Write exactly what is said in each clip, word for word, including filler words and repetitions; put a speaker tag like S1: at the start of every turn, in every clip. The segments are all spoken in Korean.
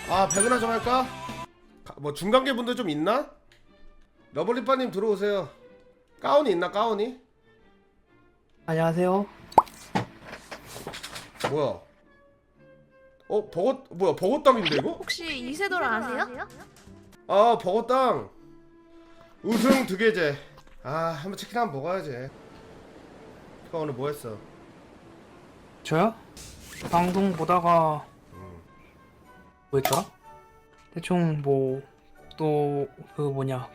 S1: 아 배그나 좀 할까? 가, 뭐 중간계 분들 좀 있나? 러블리빠님 들어오세요. 가운이 있나 가운이?
S2: 안녕하세요.
S1: 뭐야? 어 버거 뭐야 버거땅인데 이거?
S3: 혹시 이세돌 아세요?
S1: 아 버거땅 우승 두 개제. 아 한번 치킨 한번 먹어야지. 형 오늘 뭐 했어?
S2: 저요? 방송 보다가 뭐였더라? 대충 뭐 또 그 뭐냐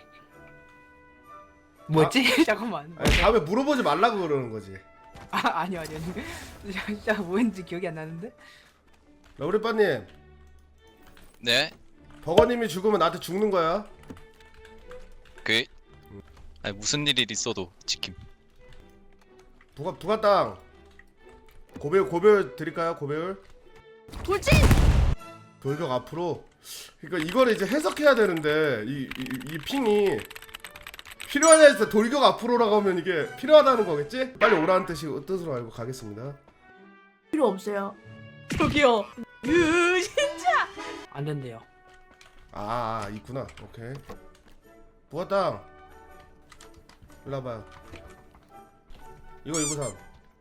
S2: 뭐였지? 잠깐만.
S1: 아니 다음에 물어보지 말라고 그러는 거지.
S2: 아 아니요 아니요 아니. 진짜 뭐였는지 기억이 안 나는데.
S1: 러블리빠님
S4: 네.
S1: 버거님이 죽으면 나한테 죽는 거야.
S4: 그 아니 무슨 일이 있어도 지킴.
S1: 부가 부가땅 고배율 고배율 드릴까요 고배율?
S3: 돌진!
S1: 돌격 앞으로. 그러니까 이거를 이제 해석해야 되는데 이, 이, 이 핑이 필요하냐 해서 돌격 앞으로라고 하면 이게 필요하다는 거겠지? 빨리 오라는 뜻이 뜻으로 알고 가겠습니다.
S3: 필요 없어요. 저기요. 으 진짜.
S2: 안 된대요.
S1: 아, 아 있구나. 오케이. 부가땅 일로 와봐요. 이거 이구삼.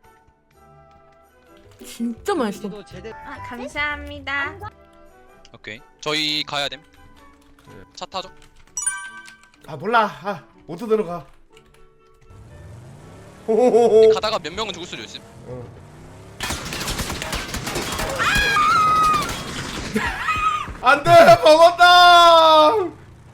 S3: 진짜 맛있어.
S5: 아, 감사합니다.
S4: 오케이. 저희 가야 됨.
S1: 네.
S4: 차 타죠.
S1: 아 몰라. 아 모두 들어가. 호호호호.
S4: 가다가 몇 명은 죽을 수도 있음.
S1: 어. 안돼 버거땅.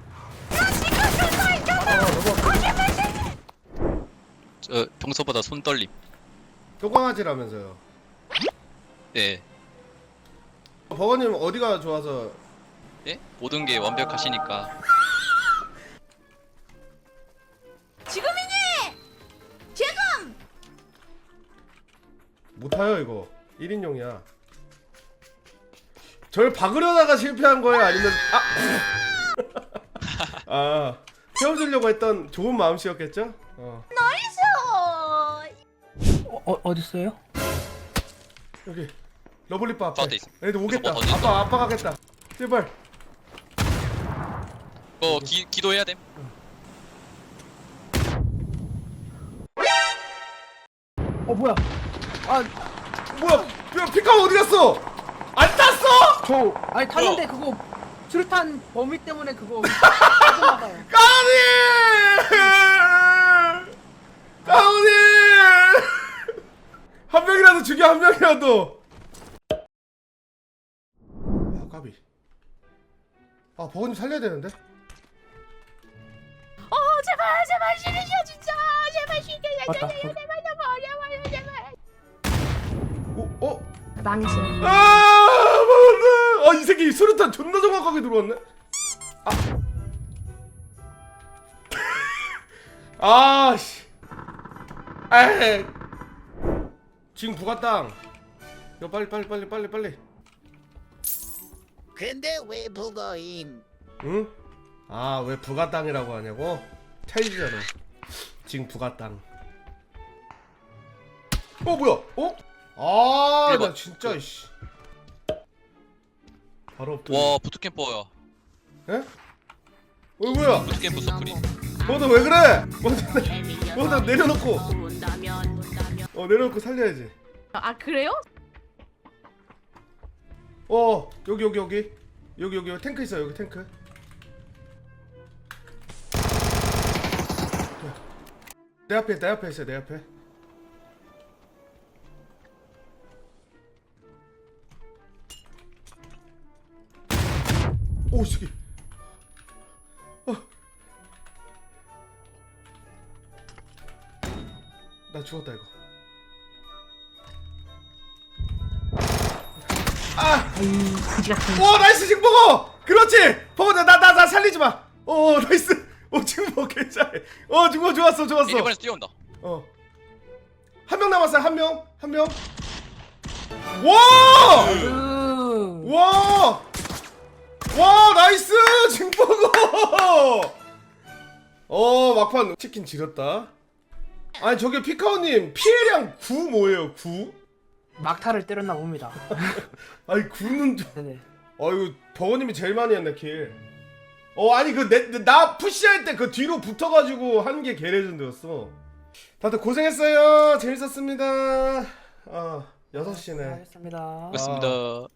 S4: 저 평소보다 손 떨림.
S1: 똥강아지라면서요.
S4: 네.
S1: 버거님 어디가 좋아서?
S4: 예? 모든 게 완벽하시니까.
S3: 지금이니! 지금!
S1: 못타요 이거 일인용이야. 절 박으려다가 실패한 거예요 아니면 아, 아 태워주려고 했던 좋은 마음씨였겠죠? 어.
S2: 어, 어 어딨어요?
S1: 여기 러블리빠 앞에
S4: 저한테 있어.
S1: 애들 오겠다.
S4: 무슨 뭐
S1: 아빠 아빠 가겠다. 제발.
S4: 어 기 기도해야 됨.
S2: 어 뭐야? 아
S1: 뭐야? 야 피카 어디 갔어? 안 탔어?
S2: 저 아니 탔는데 그거 수류탄 범위 때문에 그거 빠져나가요.
S1: 까니! 까니! 한 명이라도 죽여 한 명이라도. 아 까비. 아 버거님 살려야 되는데.
S3: 어 제발 제발 쉬리셔 진짜 제발 쉬게
S2: 맞다.
S3: 제발 제발 어려워요 제발.
S1: 오 어?
S3: 망신.
S1: 아 맞네. 아이 새끼 수류탄 존나 정확하게 들어왔네. 아. 아씨. 에이. 지금 부가땅. 야 빨리 빨리 빨리 빨리 빨리.
S6: 근데 왜 북어임?
S1: 응? 아 왜 부가땅이라고 하냐고? 차이지잖아. 지금 부가땅. 어 뭐야? 어? 아
S4: 일번.
S1: 나 진짜 이씨. 바로 엎드려.
S4: 와 부트캠퍼야.
S1: 에? 어 뭐야?
S4: 부트캠퍼 서클이.
S1: 너도 왜 그래? 먼저 내- 먼저 내려놓고. 어 내려놓고 살려야지.
S3: 아 그래요?
S1: 어 여기 여기 여기 여기 여기 탱크 있어 여기 탱크. 내 앞에 내 앞에 있어 내 앞에. 오 새끼. 어. 나 죽었다 이거. 아!
S3: 그지 같은.
S1: 오 나이스 지금 먹어. 그렇지. 버거 나나 나 나 살리지 마. 오 나이스. 오 지금 먹 괜찮아. 어 지금 좋았어 좋았어.
S4: 일 번에서 뛰어온다.
S1: 어. 한 명 남았어요. 한 명. 한 명. 와!
S2: 으
S1: 와! 와 나이스 징버거. 어 막판 치킨 지렸다. 아니 저기 피카오님 피해량 구 뭐예요 구?
S2: 막타를 때렸나 봅니다.
S1: 아니 구는 좀.
S2: 네네.
S1: 어이구 버거님이 제일 많이 했네 킬. 어 아니 그 나 푸시할 때 그 뒤로 붙어가지고 한 게 개레전드였어. 다들 고생했어요. 재밌었습니다. 아 여섯 시네.
S2: 알겠습니다.
S4: 그렇습니다.